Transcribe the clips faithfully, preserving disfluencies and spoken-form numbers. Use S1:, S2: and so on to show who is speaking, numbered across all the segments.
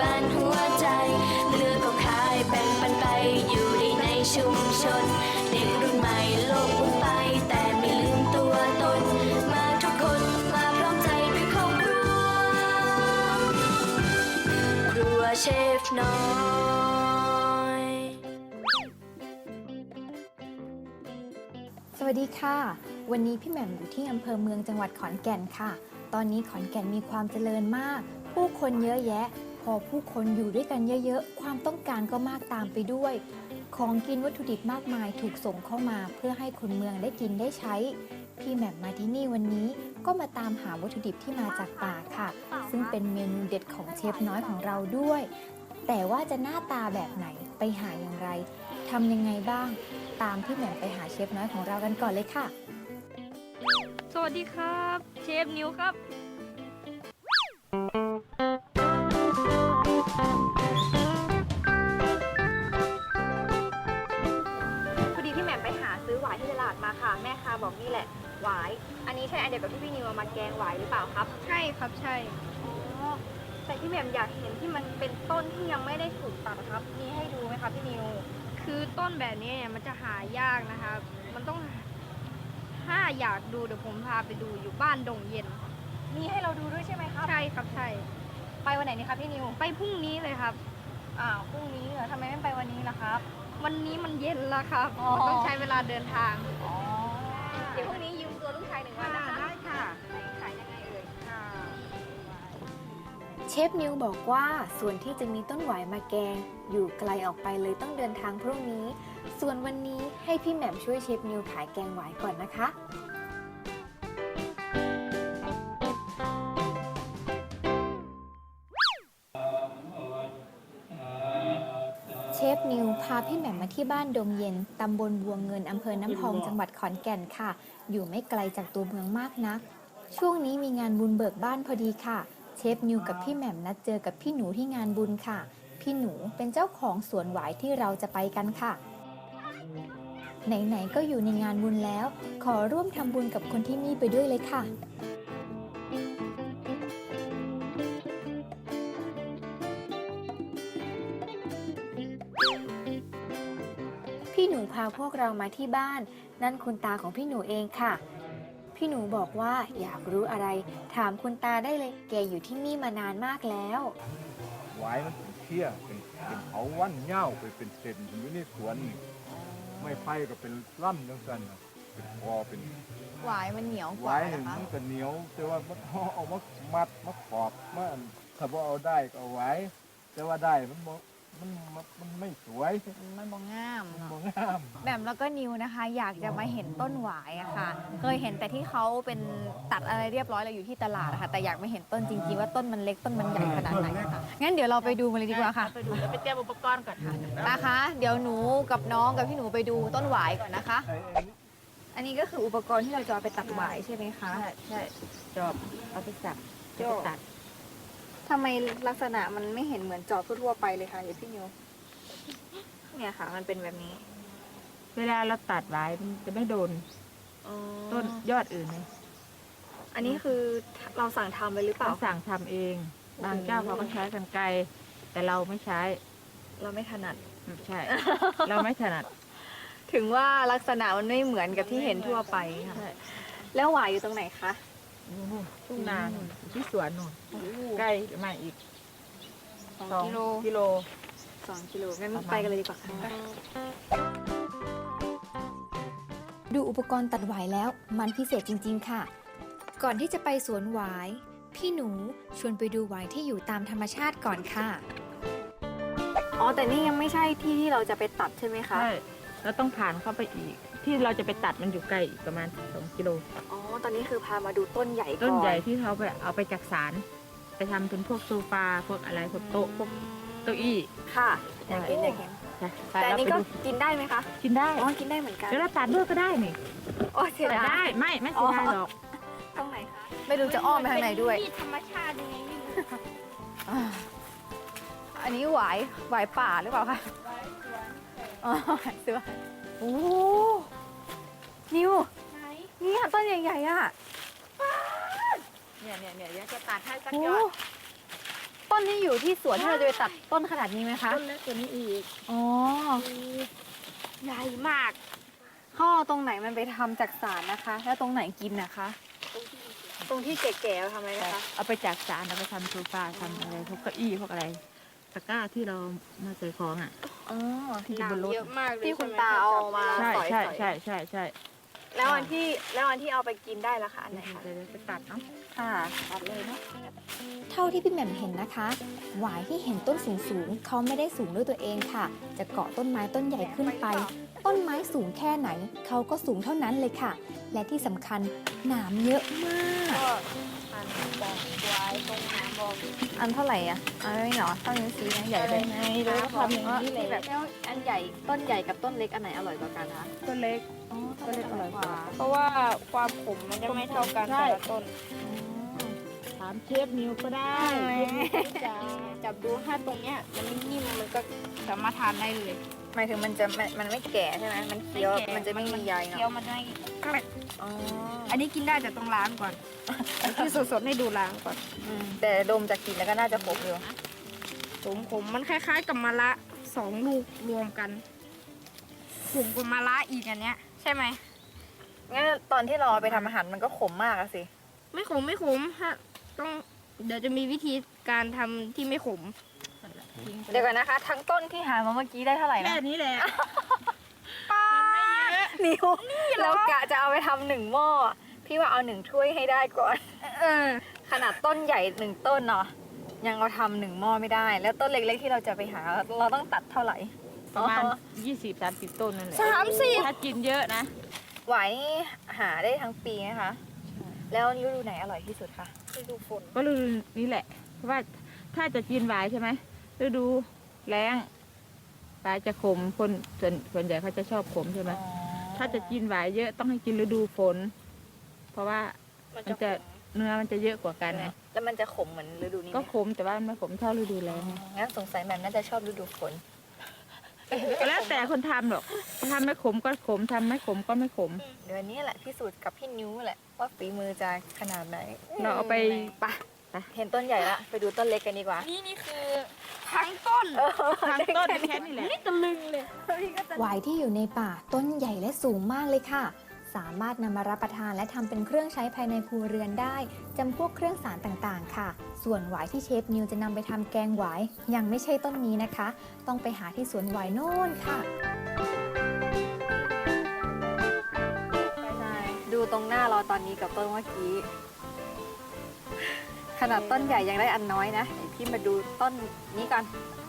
S1: บานหัวใจเลือกก็ขายแบ่งปันไปอยู่ดีในชุมชนเด็กรุ่นใหม่โลกหมุนไปแต่ไม่ลืมตัวตนมาทุกคนมาพร้อมใจด้วยครอบครัวครัวเชฟน้อย
S2: สวัสดีค่ะวันนี้พี่แหม่มอยู่ที่อำเภอเมืองจังหวัดขอนแก่นค่ะตอนนี้ขอนแก่นมีความเจริญมากผู้คนเยอะแยะพอผู้คนอยู่ด้วยกันเยอะๆความต้องการก็มากตามไปด้วยของกินวัตถุดิบมากมายถูกส่งเข้ามาเพื่อให้คนเมืองได้กินได้ใช้พี่แหม่มมาที่นี่วันนี้ก็มาตามหาวัตถุดิบที่มาจากป่าค่ะซึ่งเป็นเมนูเด็ดของเชฟน้อยของเราด้วยแต่ว่าจะหน้าตาแบบไหนไปหาอย่างไรทำยังไงบ้างตามพี่แหม่มไปหาเชฟน้อยของเรากันก่อนเลยค่ะ
S3: สวัสดีครับเชฟนิวครับพอดีพี่แหม่มไปหาซื้อหวายที่ตลาดมาค่ะแม่ค้าบอกนี่แหละหวายอันนี้ใช่อันเดียวกับที่พี่นิวเอามาแกงหวายหรือเปล่าครับใช่ครับใช่อ๋อแต่พี่แหม่มอยากเห็นที่มันเป็นต้นที่ยังไม่ได้ถูกตัดครับมีให้ดูไหมครับพี่นิวคือต้นแบบนี้เนี่ยมันจะหายากนะครับมันต้องถ้าอยากดูเดี๋ยวผมพาไปดูอยู่บ้านดงเย็นมีให้เราดูด้วยใช่ไหมครับใช่ครับใช่ไปวันไหนนี่ครับพี่นิวไปพรุ่งนี้เลยครับอ้าวพรุ่งนี้เหรอทำไมไม่ไปวันนี้ล่ะครับวันนี้มันเย็นแล้วครับมันต้องใช้เวลาเดินทางอ๋อเดี๋ยวพรุ่งนี้ยืมตัวลูกชายหนึ่งวันนะคะได้ค่ะขายยังไงเอ่ยค่ะ
S2: เชฟนิวบอกว่าส่วนที่จะมีต้นหวายมาแกงอยู่ไกลออกไปเลยต้องเดินทางพรุ่งนี้ส่วนวันนี้ให้พี่แหม่มช่วยเชฟนิวขายแกงหวายก่อนนะคะเชฟนิวพาพี่แหม่มมาที่บ้านดงเย็นตำบลบัวเงินอำเภอน้ำพองจังหวัดขอนแก่นค่ะอยู่ไม่ไกลจากตัวเมืองมากนักช่วงนี้มีงานบุญเบิกบ้านพอดีค่ะเชฟนิวกับพี่แหม่มนัดเจอกับพี่หนูที่งานบุญค่ะพี่หนูเป็นเจ้าของสวนหวายที่เราจะไปกันค่ะไหนๆก็อยู่ในงานบุญแล้วขอร่วมทำบุญกับคนที่นี่ไปด้วยเลยค่ะพี่หนูพาพวกเรามาที่บ้านนั่นคุณตาของพี่หนูเองค่ะพี่หนูบอกว่าอยากรู้อะไรถามคุณตาได้เลยแกอยู่ที่นี่มานานมากแล้ว
S4: หวายมันเป็นเชี่ยเป็นเป็นเขาวันเง่าไปเป็นเศษอยู่ในสวนนี่ไม่ไผ่ก็เป็นล่ำจังสันน่ะเป็นคอเป็น
S5: หวายมันเหนียวก
S4: ห
S5: ว่าว
S4: าย
S5: เหร
S4: นี่
S5: อคะ
S4: มันก็เหนียวแต่ว่ามันเอามามัดมาขอบมาอันถ้าว่าเอาได้ก็เอาไว้แต่ว่าได้มันบ่มันมันมันไม่สวย
S5: มันบองงาม
S4: มัน
S5: เนาะ
S4: บ่งาม
S5: แบบแล้วก็นิวนะคะ อยากจะมาเห็นต้นหวายอะค่ะ เคยเห็นแต่ที่เขาเป็นตัดอะไรเรียบร้อยแล้วอยู่ที่ตลาดอะค่ะแต่อยากมาเห็นต้นจริงๆว่าต้นมันเล็กต้นมันใหญ่ขนาดไหนค่ะงั้นเดี๋ยวเราไปดูมาเลยดีกว่าค่ะไปดูแล้วไปเตรียมอุปกรณ์ก่อนค่ะนะคะเดี๋ยวหนูกับน้องกับพี่หนูไปดูต้นหวายก่อนนะคะ
S4: ไอ้ไอ้นี่
S5: อันนี้ก็คืออุปกรณ์ที่เราจะเอาไปตัดหวายใช่ไหมคะ
S6: ใช่ใช่จอบเอาไปสับจะไปตัด
S5: ทำไมลักษณะมันไม่เห็นเหมือนจอบทั่วๆไปเลยค่ะเดี๋ยวพี่นิวเนี่ยค่ะ มันเป็นแบบนี้
S6: เวลาเราตัดไว้มันจะไม่โดนต้นยอดอื่นเลย
S5: อันนี้คือเราสั่งทำเลยหรือเปล่า
S6: เราสั่งทำเอง บางเจ้าเขาก็ใช้กรรไกรแต่เราไม่ใช้
S5: เราไม่ถนัด
S6: ใช่ เราไม่ถนัด
S5: ถึงว่าลักษณะมันไม่เหมือนกับที่เห็นทั่วไปค่ะ
S6: ใช่
S5: แล้วหวายอยู่ตรงไหนคะ
S6: นู่นทุ่งนานู่นอยู่ที่สวนนู่นใกล้มาอีก
S5: สอง
S6: สอง
S5: กิโล
S6: กิโล
S5: สองกิโลงั้น
S6: ประมาณ
S5: ไปกันเลยดีกว่าค่ะ
S2: ดูอุปกรณ์ตัดหวายแล้วมันพิเศษจริงๆค่ะก่อนที่จะไปสวนหวายพี่หนูชวนไปดูหวายที่อยู่ตามธรรมชาติก่อนค่ะ
S5: อ๋อแต่นี่ยังไม่ใช่ที่ที่เราจะไปตัดใช่ไหมคะ
S6: ใช่เราต้องผ่านเข้าไปอีก ที่เราจะไปตัดมันอยู่ไกลอีกประมาณสองกิโล
S5: อ๋อตอนนี้คือพามาดูต้นใหญ่ก่อน
S6: ต้นใหญ่ที่เขาไปเอาไปจักสารไปทำเป็นพวกโซฟาพวกอะไรพวกโต๊ะพวกเก้าอี้
S5: ค่ะอยากเห็นอยากเห็น
S6: ไป
S5: แต่อันนี้ก็
S6: เราไปดู
S5: กินได้ไหมคะ
S6: กินได้
S5: อ๋อกินได้เหมือนกัน
S6: แล้วเราตัดด้วยก็ได้นี่
S5: โอ้เสีย
S6: ตัด
S5: ดา
S6: ได้
S5: ย
S6: ไม่ไม่เสียดายหรอก
S5: ตรงไหนคะไม่รู้จะอ้อมไปทางไหนด้วย
S3: ธรรมชาติยังไงไม่รู้
S5: อ่าอันนี้หวายหวายป่าหรือเปล่าคะอ๋อหวายสวนโอ้โหนิว
S3: ไหน
S5: เนี่ยต้นใหญ่ๆอ่ะ
S6: เนี่ยเนี่ยเนี่ยเดี๋ยวจะตัดให้สัก
S5: โอ้
S6: ยอด
S5: ต้นที่อยู่ที่สวนที่เราจะไปตัดต้นขนาดนี้ไหมคะ
S6: ต้นเล็กกว่านี้อีก
S5: อ๋อ
S3: ใหญ่มาก
S5: ข้อตรงไหนมันไปทำจากสารนะคะ แล้วตรงไหนกินนะคะ
S3: ตรงที่แก่ๆเราทำอะไรนะคะ
S6: เอาไปจากสารเอาไปทำโซฟาทำอะไรพวกเก้าอี้พวกอะไรตะกร้าที่เรามาใส่ของอ่ะ
S5: อ๋อ
S6: ที่อยู่บนรถ
S3: เยอะมากเลย
S5: ที่คุณ
S3: ใช่ไห
S5: ตาเอามา
S6: ใช่
S5: สอย
S6: ใช่
S5: ๆ
S6: ใช่ใช่ใช่
S3: แล้วอันที่แล้วอันที่เอาไปกินได้ละคะอันไหนคะ
S6: เดี๋ยวไปตัดเนาะ
S5: ค่ะ
S6: ตัดเลยเนาะ
S2: เท่าที่พี่แหม่มเห็นนะคะ หวายที่เห็นต้นสูงๆเขาไม่ได้สูงด้วยตัวเองค่ะ จะเกาะต้นไม้ต้นใหญ่ขึ้นไป ต้นไม้สูงแค่ไหน เขาก็สูงเท่านั้นเลยค่ะ และที่สำคัญหนามเยอะมาก
S3: ก็อันบอกไว้ตรงน้ำบอก
S5: อันเท่าไหร่อ่ะอันไม่หนอเท่านิ้วชี้นะใหญ่ไป
S6: ไงเราก็ทำอย่างนี้
S5: ที่
S6: เล
S5: แบ
S6: ย
S5: บอันใหญ่ต้นใหญ่กับต้นเล็กอันไหนอร่อยกว่ากันคะ
S6: ต้นเล็ก
S5: อ๋อ
S6: ต้นเล็กอร่อยกว่า
S3: เพราะว่าความขมมันจะไม่เท่ากัน
S6: ใช่
S3: แต่ละต้น
S6: ถามเชฟนิวก็ได้
S3: จะจับดูถ้าตรงเนี้ยมันนิ่มๆมันก็สามารถทานได้เลย
S5: หมายถึงมันจะมันมันไม่แก่ใช่ไหมมันเคี้ยว
S3: ไม่แก่
S5: มันจะไม่มีใย
S3: เคี้ยว
S5: เนาะ
S3: มันไม่เกล็ด
S5: อ๋อ
S3: อันนี้กินได้แต่ต้องล้างก่อน อันที่สดๆให้ดูล้างก่อน
S5: อืมแต่ดมจากกลิ่นแล้วก็น่าจะขมอยู่
S3: ขมขมมันคล้ายๆกับมะระสองลูกรวมกันขมกับมะระอีกอันเนี้ย ใช่ไหม
S5: งั้นตอนที่เราเอาไปทำอาหารมันก็ขมมากอะสิ
S3: ไม่ขมไม่ขมฮะต้องเดี๋ยวจะมีวิธีการทำที่ไม่ขม
S5: เดี๋ยวก่อนนะคะ ทั้งต้นที่หามาเมื่อกี้ได้เท่าไหร่
S6: แค่
S5: นะ
S6: นี้แหละ
S5: นิ้วเรากะจะเอาไปทำหนึ่งหม้อพี่ว่าเอาหนึ่งถ้วยให้ได้ก่อน
S3: เออ
S5: ขนาดต้นใหญ่หนึ่งต้นเนาะยังเอาทำหนึ่งหม้อไม่ได้ แล้วต้นเล็กๆที่เราจะไปหาเราต้องตัดเท่าไหร่
S6: ประมาณ
S5: อ๋อ
S6: ยี่สิบสามสิบต้นนั่นแหละ
S5: สามสิบ
S6: ถ้ากินเยอะนะ
S5: หวายนี่หาได้ทั้งปีนะคะ แล้วฤดูไหนอร่อยที่สุดคะ
S3: ฤดูฝน
S6: ก็ฤดูนี้แหละ เพราะว่าถ้าจะกินหวายใช่ไหมฤดูแล้งหวายจะขมคนส่วนส่วนใหญ่เขาจะชอบขมใช่ไหมถ้าจะกินหวายเยอะต้องให้กินฤดูฝน เพราะว่ามันจะเนื้อมันจะเยอะกว่ากันไง
S5: แล้วมันจะขมเหมือนฤดูนี้ไหม
S6: ก็ขมแต่ว่ามันไม่ขมเท่าฤดูแล้งไง
S5: งั้นสงสัยแหม่มน่าจะชอบฤดูฝน
S6: แล้วแต่คนทำหรอกทำไม่ขมก็ขมทำไม่ขมก็ไม่ขม
S5: เดี๋ยวนี้แหละพิสูจน์กับพี่นิ้วแหละว่าฝีมือจะขนาดไหน
S6: เราเอาไป
S5: ไปเห็นต้นใหญ่ละไปดูต้นเล็กกันดีกว่า
S3: นี่นี่คือทั้งต้น
S6: ทั้งต้นแค่นี้แหละ
S3: นี่ตะลึงเลย
S2: หวายที่อยู่ในป่าต้นใหญ่และสูงมากเลยค่ะ สามารถนำมารับประทานและทำเป็นเครื่องใช้ภายในครัวเรือนได้จำพวกเครื่องสารต่างๆค่ะ ส่วนหวายที่เชฟนิวจะนำไปทำแกงหวายยังไม่ใช่ต้นนี้นะคะ ต้องไปหาที่สวนหวายโน่นค่ะ
S5: ใช่ดูตรงหน้าเราตอนนี้กับต้นเมื่อกี้ ขนาดต้นใหญ่ยังได้อันน้อยนะเดี๋ยวพี่มาดูต้นนี้ก่อน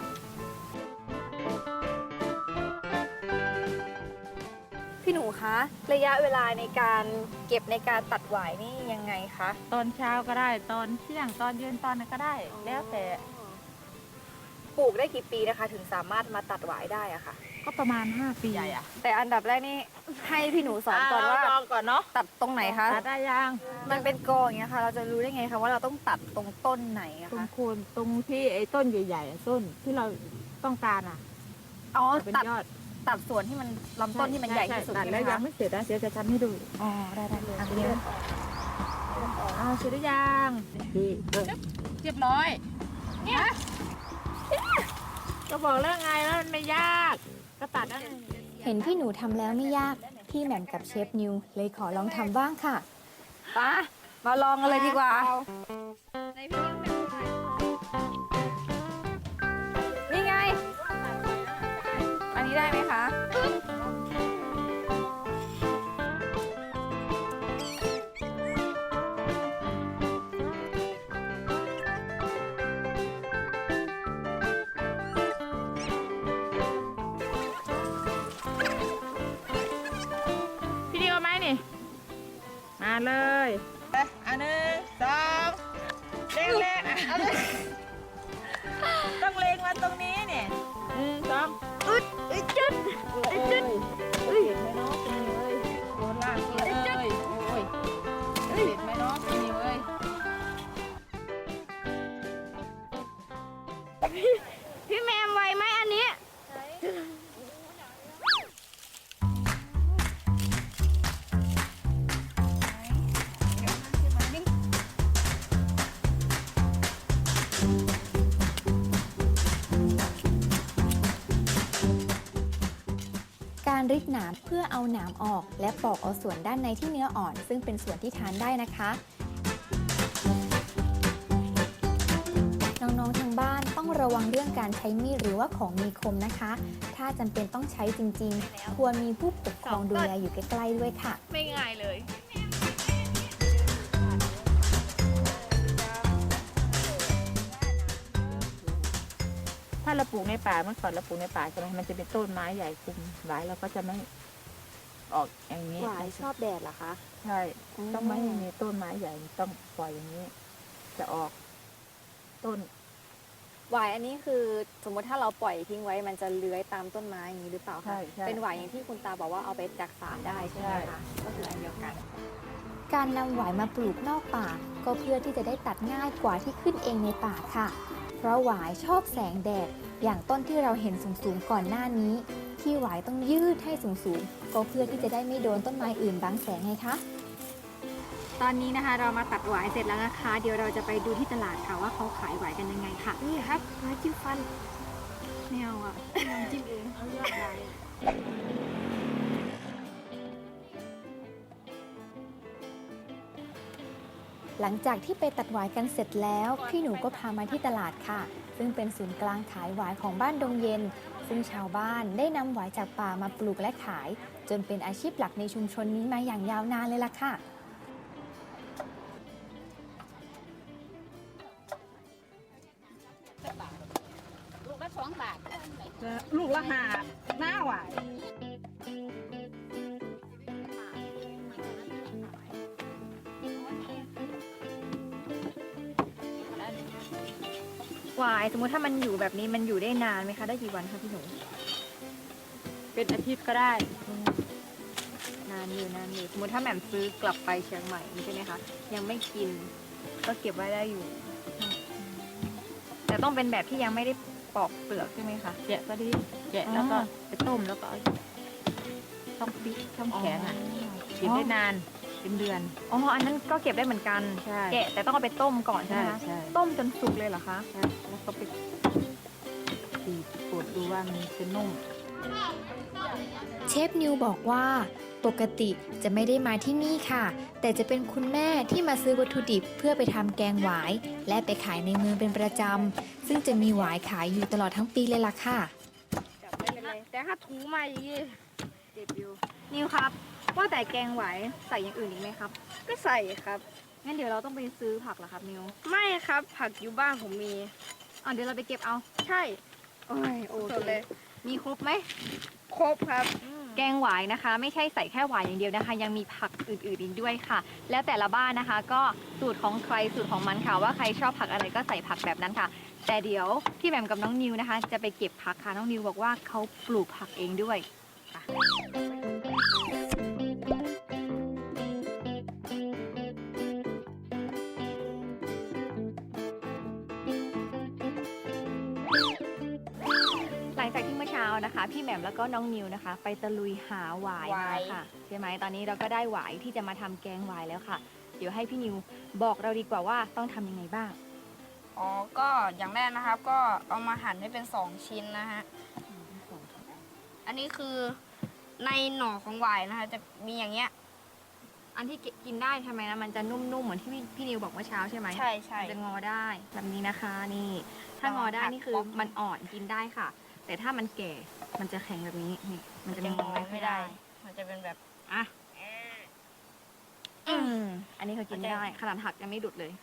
S5: พี่หนูคะระยะเวลาในการเก็บในการตัดหวายนี่ยังไงคะ
S6: ตอนเช้าก็ได้ตอนเที่ยงตอนเย็นตอนนั้นก็ได้ แล้วแต่
S5: ปลูกได้กี่ปีนะคะ ถึงสามารถมาตัดหวายได้อะค่ะ
S6: ก็ประมาณห้าปีใหญ่อะ
S5: แต่อันดับแรกนี่ให้พี่หนูสอนก่อนว่า
S6: ลองก่อนเนาะ
S5: ตัดตรงไหนคะ
S6: ตัดได้ยัง
S5: มันเป็นกออย่างเงี้ยค่ะ เราจะรู้ได้ไงคะว่าเราต้องตัดตรงต้นไหนอะ
S6: ตรง
S5: คะ
S6: โคนตรงที่ไอ้ต้นใหญ่ๆอะต้นที่เราต้องการอ่ะ
S5: อ๋อ
S6: เป็น
S5: ตัด
S6: ยอด
S5: ตัดส่วนที่มันลำต้นที่มันใหญ่ที่สุด
S6: ตัด
S5: ใช่ไหม
S6: แล้วยั
S5: คะ
S6: งไม่เสร็จนะเดี๋ยวจะทำให้ดู
S5: อ๋อได้ได้เลย
S6: อ่ะเดี๋ยวเอาเสร็จหรือยังดีเออ
S3: เรียบร้อย
S6: ก็บอกแล้วไงแล้วมันไม่ยากก็ตัดนั่น
S2: เห็นพี่หนูทำแล้วไม่ยาก พี่แหม่มกับเชฟนิวเลยขอลองทำบ้างค่ะ
S5: ไปมาลองกันเลยดีกว่า
S3: ในพี่ยังเป็นใคร
S5: นี่ไง อันนี้ได้ไหมคะ
S6: พี่ดีเอาไหมนี่มาเลยอันหนึ่งสองเล็งเล็งอ่ะเอาเลยต้องเล็งมาตรงนี้เนี่ยหนึ่งสองอึดอึดจุดอึดจุดเห็นไหมเนาะคุณนิวเอ้ยโดนล่างเลยโอ้ยเห็นไหมเนาะคุณนิวเอ้ย
S3: พี่แมมไวไหมอันนี้
S5: พ
S2: ริดหนามเพื่อเอาหนามออก และปอกเอาส่วนด้านในที่เนื้ออ่อน ซึ่งเป็นส่วนที่ทานได้นะคะ น้องๆทางบ้านต้องระวังเรื่องการใช้มีดหรือว่าของมีคมนะคะ ถ้าจำเป็นต้องใช้จริงๆ ควรมีผู้ปกครองดูแลอยู่ใกล้ๆด้วยค่ะ
S5: ไม่ง่ายเลย
S6: ถ้าเราปลูกในป่าเมื่อก่อนเราปลูกในป่าใช่ไหมมันจะเป็นต้นไม้ใหญ่คุมไว้เราก็จะไม่ออกอย่างนี้
S5: หวายชอบแดดเหรอคะ
S6: ใช่ต้องไม่มีต้นไม้ใหญ่ต้องปล่อยอย่างนี้ จะออกต้น
S5: หวายอันนี้คือสมมติถ้าเราปล่อยทิ้งไว้มันจะเลื้อยตามต้นไม้อย่างนี้หรือเปล่า
S6: ใช่
S5: คะ
S6: ใช่
S5: เป็นหวายอย่างที่คุณตาบอกว่าเอาไปจักสารได้ใช่ไหม
S6: ใช่
S5: คะก็คืออันเดียวกัน
S2: การนำหวายมาปลูกนอกป่า ก็เพื่อที่จะได้ตัดง่ายกว่าที่ขึ้นเองในป่าค่ะ เพราะหวายชอบแสงแดด อย่างต้นที่เราเห็นสูงๆก่อนหน้านี้ ที่หวายต้องยืดให้สูงๆ ก็เพื่อที่จะได้ไม่โดนต้นไม้อื่นบังแสงไงคะ
S5: ตอนนี้นะคะเรามาตัดหวายเสร็จแล้วนะคะ เดี๋ยวเราจะไปดูที่ตลาดค่ะว่าเขาขายหวายกันยังไงค่ะ นี่ครับหวายจิ้มฟันไม่เอาอ่ะน้ำจิ้มเองเขาเลือกได้
S2: หลังจากที่ไปตัดหวายกันเสร็จแล้ว พี่หนูก็พามาที่ตลาดค่ะ ซึ่งเป็นศูนย์กลางขายหวายของบ้านดงเย็น ซึ่งชาวบ้านได้นำหวายจากป่ามาปลูกและขาย จนเป็นอาชีพหลักในชุมชนนี้มาอย่างยาวนานเลยล่ะค่ะ
S7: ลูกละสองบาท
S6: ลูกละหาหน้าหวาย
S5: หวายสมมุติถ้ามันอยู่แบบนี้มันอยู่ได้นานไหมคะได้กี่วันคะพี่หนู
S6: เป็นอาทิตย์ก็ได้
S5: นานอยู่นานอยู่สมมติถ้าแหม่มซื้อกลับไปเชียงใหม่ใช่ไหมคะยังไม่กินก็เก็บไว้ได้อยู่ แต่ต้องเป็นแบบที่ยังไม่ได้ปอกเปลือกใช่ไหมคะ
S6: แกะก็ดีแกะแล้วก็ไปต้มแล้วก็เอาต้องฟิตต้องแข็งอ่ะเก็บได้นานเป็นเดือน
S5: อ๋ออันนั้นก็เก็บได้เหมือนกัน
S6: ใช่
S5: แกะแต่ต้องเอาไปต้มก่อนใช่
S6: ใช่
S5: ไหมคะ
S6: ใช่
S5: ต้มจนสุกเลยเหรอคะ
S6: ใช่แล้วก็ไปตีปวดดูว่ามันจะนุ่ม
S2: เชฟนิวบอกว่าปกติจะไม่ได้มาที่นี่ค่ะ แต่จะเป็นคุณแม่ที่มาซื้อวัตถุดิบเพื่อไปทำแกงหวาย และไปขายในเมืองเป็นประจำ ซึ่งจะมีหวายขายอยู่ตลอดทั้งปีเลยล่ะค่ะ
S3: ไม่เป็นไรแต่ถ้าถูมาอย่างนี้เจ็บอยู่
S5: นิวครับ ว่าแต่แกงหวายใส่อย่างอื่นอีกไหมครับ
S3: ก็ใส่ครับ
S5: งั้นเดี๋ยวเราต้องไปซื้อผักเหรอครับนิว
S3: ไม่ครับผักอยู่บ้านผมมี
S5: อ๋อเดี๋ยวเราไปเก็บเอา
S3: ใช่
S5: โอ้ยโอ
S3: ส
S5: เค
S3: ดเลย
S5: มีครบไหม
S3: ครบครับ
S5: แกงหวายนะคะ ไม่ใช่ใส่แค่หวายอย่างเดียวนะคะ ยังมีผักอื่นๆอีกด้วยค่ะ แล้วแต่ละบ้านนะคะ ก็สูตรของใครสูตรของมันค่ะว่าใครชอบผักอะไรก็ใส่ผักแบบนั้นค่ะ แต่เดี๋ยวพี่แหม่มกับน้องนิวนะคะ จะไปเก็บผักค่ะน้องนิวบอกว่าเขาปลูกผักเองด้วยค่ะหลังจากที่เมื่อเช้านะคะ พี่แหม่มแล้วก็น้องนิวนะคะ ไปตะลุยหาหวายมาค่ะใช่ไหมตอนนี้เราก็ได้หวายที่จะมาทำแกงหวายแล้วค่ะ เดี๋ยวให้พี่นิวบอกเราดีกว่าว่าต้องทำยังไงบ้าง
S3: อ๋อ ก็อย่างแรกนะครับ ก็เอามาหั่นให้เป็นสองชิ้นนะฮะ อันนี้คือในหน่อของหวายนะคะ จะมีอย่างเงี้ย
S5: อันที่กินได้ทำไมนะมันจะนุ่มๆเหมือนที่พี่พี่นิวบอกเมื่อเช้าใช่ไหม
S3: ใช่ใช่
S5: มันจะงอได้แบบนี้นะคะนี่ ถ้างอได้นี่คือมันอ่อนกินได้ค่ะ แต่ถ้ามันแก่มันจะแข็งแบบนี้นี่มันจะ
S3: จะ
S5: ง
S3: ง
S5: อ
S3: อ
S5: ไม่
S3: ไม่
S5: ได้
S3: ได้ มันจะเป็นแบบ
S5: อ่ะอืมอันนี้เขากินได้ขนาดหักยังไม่ดุดเลย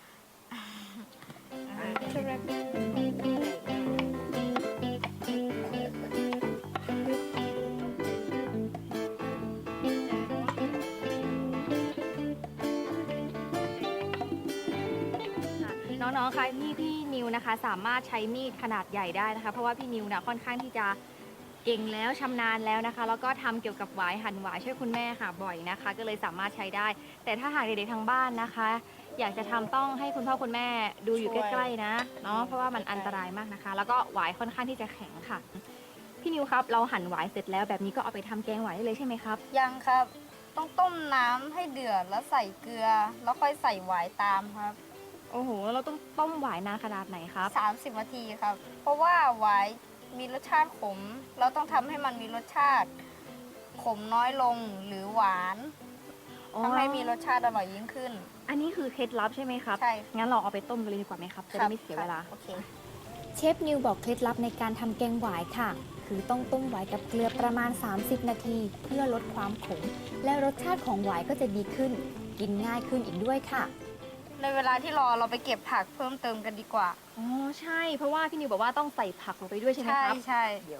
S5: น้องๆ คะพี่พี่นิวนะคะ สามารถใช้มีดขนาดใหญ่ได้นะคะ เพราะว่าพี่นิวนะค่อนข้างที่จะเก่งแล้วชำนาญแล้วนะคะ แล้วก็ทำเกี่ยวกับหวายหั่นหวายช่วยคุณแม่ค่ะบ่อยนะคะ ก็เลยสามารถใช้ได้ แต่ถ้าหากเด็กๆทางบ้านนะคะ อยากจะทำต้องให้คุณพ่อคุณแม่ดูอยู่ใกล้ๆนะเนาะเพราะว่ามันอันตรายมากนะคะ แล้วก็หวายค่อนข้างที่จะแข็งค่ะ พี่นิวครับเราหั่นหวายเสร็จแล้วแบบนี้ก็เอาไปทำแกงหวายได้เลยใช่ไหมครับ
S3: ยังครับ ต้องต้มน้ำให้เดือดแล้วใส่เกลือ แล้วค่อยใส่หวายตามครับ
S5: โอ้โหเราต้องต้มหวายนานขนาดไหนครับ
S3: สามสิบนาทีครับ เพราะว่าหวายมีรสชาติขม เราต้องทำให้มันมีรสชาติขมน้อยลงหรือหวานทำให้มีรสชาติอร่อยยิ่งขึ้น
S5: อันนี้คือเคล็ดลับใช่ไหมครับ
S3: ใช่
S5: งั้นเราเอาไปต้มกันเลยดีกว่าไหมครับ จะได้ไม่เสียเวลา
S3: โอเค
S2: เชฟนิวบอกเคล็ดลับในการทำแกงหวายค่ะ คือต้องต้มหวายกับเกลือประมาณ สามสิบ นาที เพื่อลดความขม และรสชาติของหวายก็จะดีขึ้น กินง่ายขึ้นอีกด้วยค่ะ
S3: ในเวลาที่รอเราไปเก็บผักเพิ่มเติมกันดีกว่า
S5: อ๋อ ใช่ เพราะว่าพี่นิวบอกว่าต้องใส่ผักลงไปด้วยใช่ไหม
S3: ใช่
S5: ครับ
S3: ใช่
S5: เดี๋ยว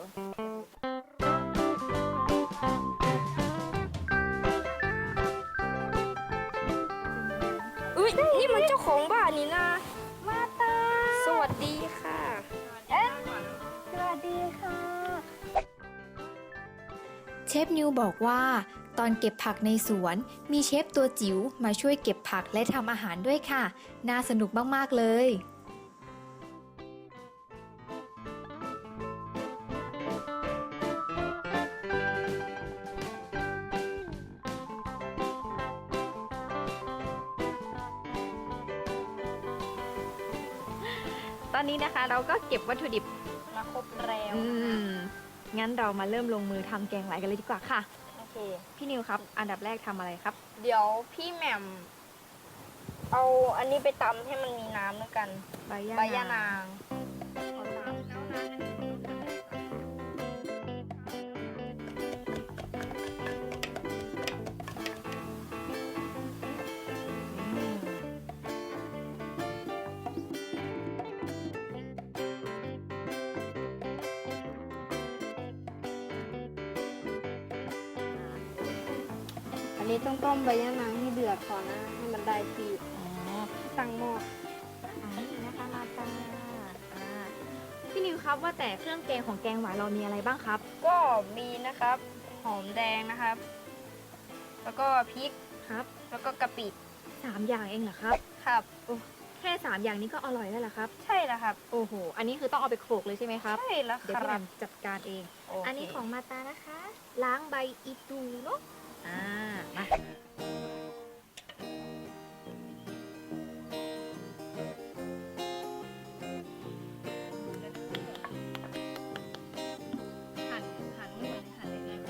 S3: อุ้ยนี่มันเจ้าของบ้านนี่นะมาตาสวัสดีค่ะเอ๊ะสวัสดีค่ะ
S2: เชฟนิวบอกว่า ตอนเก็บผักในสวนมีเชฟตัวจิ๋วมาช่วยเก็บผักและทำอาหารด้วยค่ะ น่าสนุกมากๆเลย
S5: ตอนนี้นะคะเราก็เก็บวัตถุดิบ
S3: มาครบแล้ว
S5: อืม งั้นเรามาเริ่มลงมือทำแกงหวายกันเลยดีกว่าค่ะ
S3: โอเค
S5: พี่นิวครับ อันดับแรกทำอะไรครับ
S3: เดี๋ยวพี่แหม่มเอาอันนี้ไปตำให้มันมีน้ำด้วยกัน
S5: ใบย่า
S3: ใบยะนาง
S5: อืม
S3: อันนี้ต้องต้มใบยะนางให้เดือดก่อนนะ ให้มันได้ที่
S5: อ๋อ
S3: ตั้งหม้อ
S5: อันนี้นะคะมาตาอ่าพี่นิวครับว่าแต่เครื่องแกงของแกงหวายเรามีอะไรบ้างครับ
S3: ก็มีนะครับ หอมแดงนะครับ แล้วก็พริก
S5: ครับ
S3: แล้วก็กะปิ
S5: สามอย่างเองเหรอครับ
S3: ครับ
S5: แค่สามอย่างนี้ก็อร่อยแล้วเหรอครับ
S3: ใช่แล้วครับ
S5: โอ้โห อันนี้คือต้องเอาไปโขลกเลยใช่ไหมครับ
S3: ใช่แล้ว
S5: เดี๋ยว
S3: ค
S5: พี่แห
S3: รั
S5: ม่
S3: บ
S5: มจัดการเอง
S3: โเค
S5: อันนี้ของมาตานะคะ ล้างใบอีตูเนาะ อ่า มาหั่นหั่นไม่เหมือนหั่นยังไง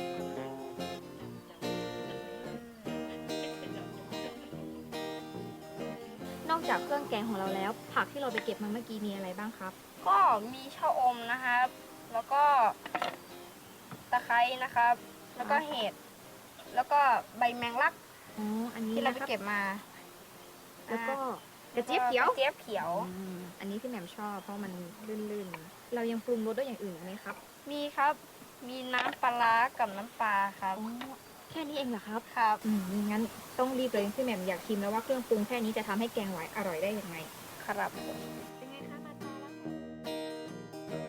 S5: นอกจากเครื่องแกงของเราแล้ว ผักที่เราไปเก็บมาเมื่อกี้มีอะไรบ้างครับ
S3: ก็มีชะอมนะครับ แล้วก็ตะไคร้นะครับ แล้วก็เห็ด แล้วก็ใบแมงลัก
S5: อ๋อ อันนี้
S3: ที่เรา
S5: นะ
S3: ไป
S5: ครับ
S3: เก็บมา
S5: แล้วก็
S3: อ่าก
S5: ระเจี๊ยบเขียว
S3: กระเจี๊ยบเขียว
S5: อืมอันนี้พี่แหม่มชอบเพราะมันลื่นๆ เรายังปรุงรสด้วยอย่างอื่นอีกไหมครับ
S3: มีครับ มีน้ำปลาร้ากับน้ำปลาครับ
S5: อ๋อ แค่นี้เองเหรอครับ
S3: ครับ
S5: อืมงั้นต้องรีบเลยพี่แหม่มอยากชิมแล้วว่าเครื่องปรุงแค่นี้จะทำให้แกงหวายอร่อยได้ยังไง
S3: ครับ
S5: เป็นไงคะมาตาแล้ว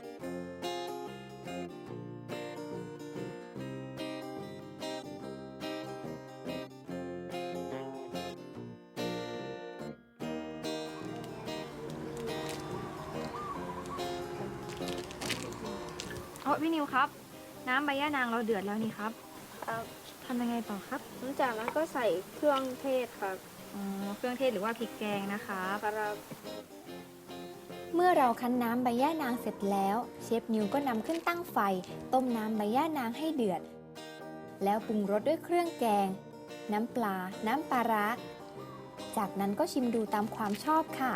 S5: อ๋อพี่นิวครับ น้ำใบย่านางเราเดือดแล้วนี่ครับ
S3: ครับ
S5: ทำยังไงต่อครับ
S3: หลังจากนั้นก็ใส่เครื่องเทศครับ
S5: อ๋อ เครื่องเทศหรือว่าพริกแกงนะคะ
S3: ครับ
S2: เมื่อเราคั้นน้ำใบย่านางเสร็จแล้ว เชฟนิวก็นำขึ้นตั้งไฟ ต้มน้ำใบย่านางให้เดือด แล้วปรุงรสด้วยเครื่องแกง น้ำปลา น้ำปลาร้า จากนั้นก็ชิมดูตามความชอบค่ะ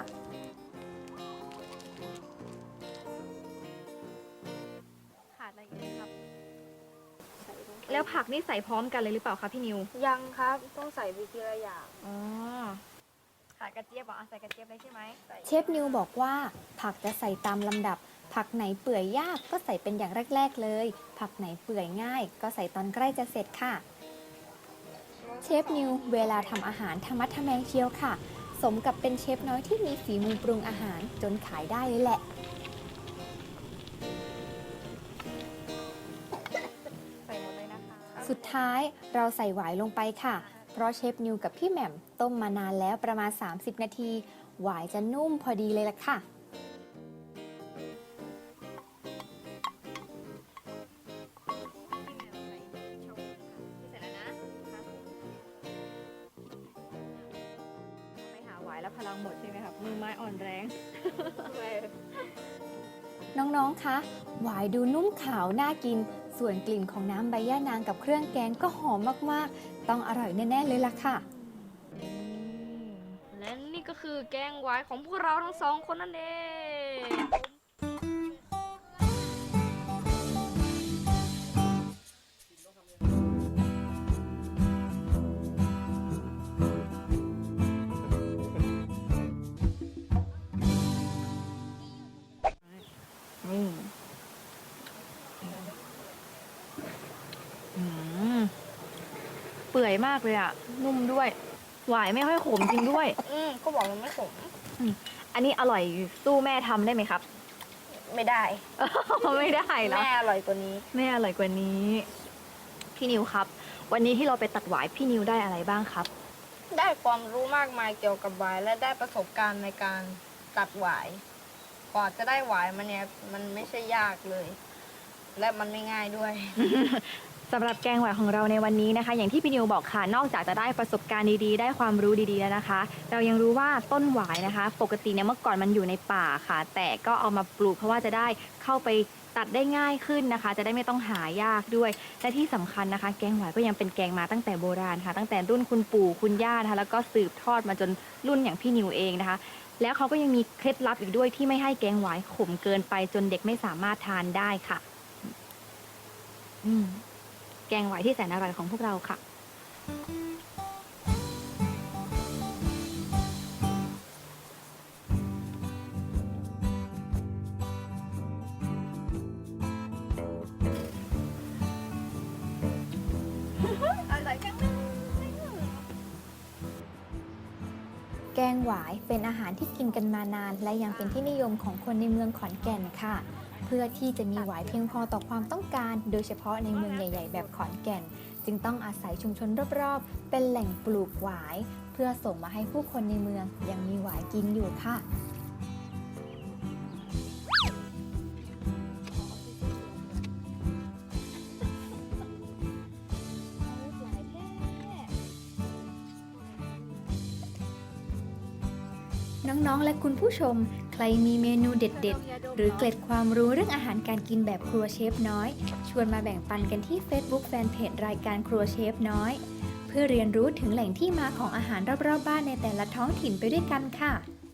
S5: ขาดอะไรอีกไหมครับ แล้วผักนี่ใส่พร้อมกันเลยหรือเปล่าคะพี่นิว
S3: ยังครับ ต้องใส่ไปทีละอย่าง
S5: อ๋อ ขาดกระเจี๊ยบเหรออ่ะใส่กระเจี๊ยบเลยใช่ไหม
S2: เชฟนิวบอกว่าผักจะใส่ตามลำดับ ผักไหนเปื่อยยากก็ใส่เป็นอย่างแรก ๆ เลย ผักไหนเปื่อยง่าย ก็ใส่ตอนใกล้จะเสร็จค่ะ เชฟนิวเวลาทำอาหารธรรมะทะแมงเชียวค่ะ สมกับเป็นเชฟน้อยที่มีฝีมือปรุงอาหารจนขายได้เลยแหละ
S5: ใส่หมดเลยนะคะ
S2: สุดท้ายเราใส่หวายลงไปค่ะ เพราะเชฟนิวกับพี่แหม่มต้มมานานแล้วประมาณ สามสิบ นาที หวายจะนุ่มพอดีเลยล่ะค่ะ
S5: เสร็จแล้วนะไปหาหวายแล้วพลังหมดใช่ไหมครับ มือไม้อ่อนแรง
S2: น้องๆ คะ หวายดูนุ่มขาวน่ากิน สส่วนกลิ่นของน้ำใบย่านางกับเครื่องแกงก็หอมมากๆ ต้องอร่อยแน่ๆเลยล่ะค่ะ
S8: และนี่ก็คือแกงหวายของพวกเราทั้งสองคนนั่นเอง
S5: นี่อืมเปื่อยมากเลยอะนุ่มด้วย หวายไม่ค่อยขมจริงด้วย
S3: อืมก็บอกมันไม่ขม
S5: อันนี้อร่อยสู้แม่ทำได้ไหมครับ
S3: ไม่ได้
S5: ไม่ได้เหรอ
S3: แม่อร่อยกว่านี้
S5: แม่อร่อยกว่านี้ พี่นิวครับ วันนี้ที่เราไปตัดหวายพี่นิวได้อะไรบ้างครับ
S3: ได้ความรู้มากมายเกี่ยวกับหวายและได้ประสบการณ์ในการตัดหวายกว่าจะได้หวายมันเนี่ยมันไม่ใช่ยากเลย และมันไม่ง่ายด้วย
S5: สำหรับแกงหวายของเราในวันนี้นะคะ อย่างที่พี่นิวบอกค่ะ นอกจากจะได้ประสบการณ์ดีๆ ได้ความรู้ดีๆแล้วนะคะ เรายังรู้ว่าต้นหวายนะคะ ปกติเนี่ยเมื่อก่อนมันอยู่ในป่าค่ะ แต่ก็เอามาปลูกเพราะว่าจะได้เข้าไปตัดได้ง่ายขึ้นนะคะ จะได้ไม่ต้องหายากด้วย และที่สำคัญนะคะ แกงหวายก็ยังเป็นแกงมาตั้งแต่โบราณค่ะ ตั้งแต่รุ่นคุณปู่คุณย่านะคะแล้วก็สืบทอดมาจนรุ่นอย่างพี่นิวเองนะคะ แล้วเขาก็ยังมีเคล็ดลับอีกด้วยที่ไม่ให้แกงหวายขมเกินไปจนเด็กไม่สามารถทานได้ค่ะ อืม แกงหวายที่แสนอร่อยของพวกเราค่ะ
S2: แกงหวายเป็นอาหารที่กินกันมานาน และยังเป็นที่นิยมของคนในเมืองขอนแก่นค่ะ เพื่อที่จะมีหวายเพียงพอต่อความต้องการ โดยเฉพาะในเมืองใหญ่ ๆ แบบขอนแก่น จึงต้องอาศัยชุมชนรอบๆ เป็นแหล่งปลูกหวาย เพื่อส่งมาให้ผู้คนในเมืองยังมีหวายกินอยู่ค่ะ น้องๆ และคุณผู้ชม ใครมีเมนูเด็ดๆ หรือเกร็ดความรู้เรื่องอาหารการกินแบบครัวเชฟน้อย ชวนมาแบ่งปันกันที่ Facebook Fanpage รายการครัวเชฟน้อย เพื่อเรียนรู้ถึงแหล่งที่มาของอาหารรอบๆบ้านในแต่ละท้องถิ่นไปด้วยกันค่ะ